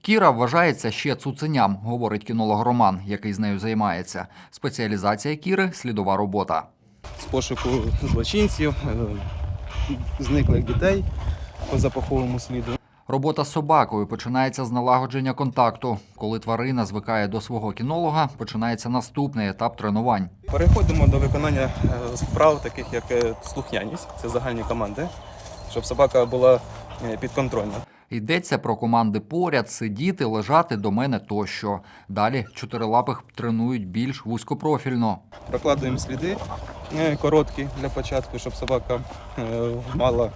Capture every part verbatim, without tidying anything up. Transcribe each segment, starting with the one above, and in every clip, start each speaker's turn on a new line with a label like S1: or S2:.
S1: Кіра вважається ще цуценям, говорить кінолог Роман, який з нею займається. Спеціалізація Кіри – слідова робота.
S2: З пошуку злочинців, зниклих дітей по запаховому сліду.
S1: Робота з собакою починається з налагодження контакту. Коли тварина звикає до свого кінолога, починається наступний етап тренувань.
S2: Переходимо до виконання вправ, таких як слухняність, це загальні команди, щоб собака була підконтрольна.
S1: Йдеться про команди поряд, сидіти, лежати, до мене тощо. Далі чотирилапих тренують більш вузькопрофільно.
S2: Прокладуємо сліди короткі для початку, щоб собака мала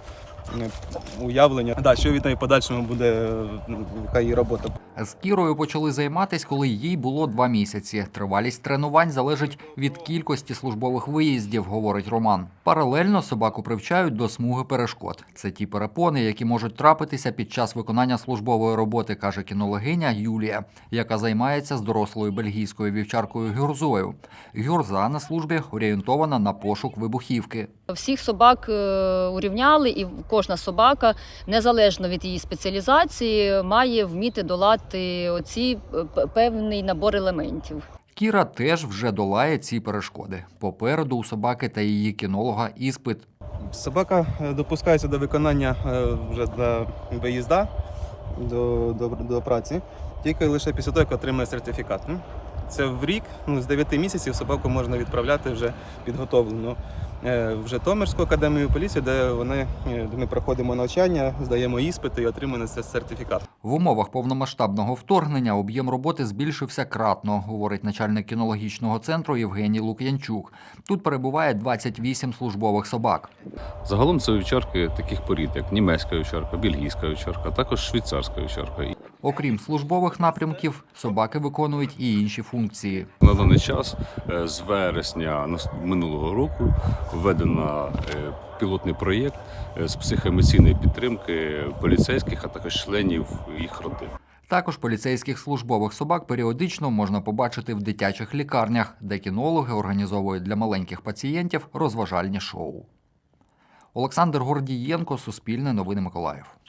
S2: уявлення, да, що від неї подальшому буде, яка її робота.
S1: З Кірою почали займатися, коли їй було два місяці. Тривалість тренувань залежить від кількості службових виїздів, говорить Роман. Паралельно собаку привчають до смуги перешкод. Це ті перепони, які можуть трапитися під час виконання службової роботи, каже кінологиня Юлія, яка займається з дорослою бельгійською вівчаркою Гюрзою. Гюрза на службі орієнтована на пошук вибухівки.
S3: Всіх собак урівняли, і кожна собака, незалежно від її спеціалізації, має вміти долати оці певний набор елементів.
S1: Кіра теж вже долає ці перешкоди. Попереду у собаки та її кінолога іспит.
S2: Собака допускається до виконання вже до виїзду, до, до, до праці, тільки лише після того, як отримає сертифікат. Це в рік, ну, з дев'яти місяців собаку можна відправляти вже підготовлену в Житомирську академію поліції, де вони, де ми проходимо навчання, здаємо іспити і отримуємо цей сертифікат.
S1: В умовах повномасштабного вторгнення об'єм роботи збільшився кратно, говорить начальник кінологічного центру Євгеній Лук'янчук. Тут перебуває двадцять вісім службових собак.
S4: Загалом це вівчарки таких порід, як німецька вівчарка, бельгійська вівчарка, а також швейцарська вівчарка.
S1: Окрім службових напрямків, собаки виконують і інші функції.
S4: На даний час, з вересня минулого року, введено пілотний проєкт з психоемоційної підтримки поліцейських, а також членів їх родин.
S1: Також поліцейських службових собак періодично можна побачити в дитячих лікарнях, де кінологи організовують для маленьких пацієнтів розважальні шоу. Олександр Гордієнко, Суспільне новини Миколаїв.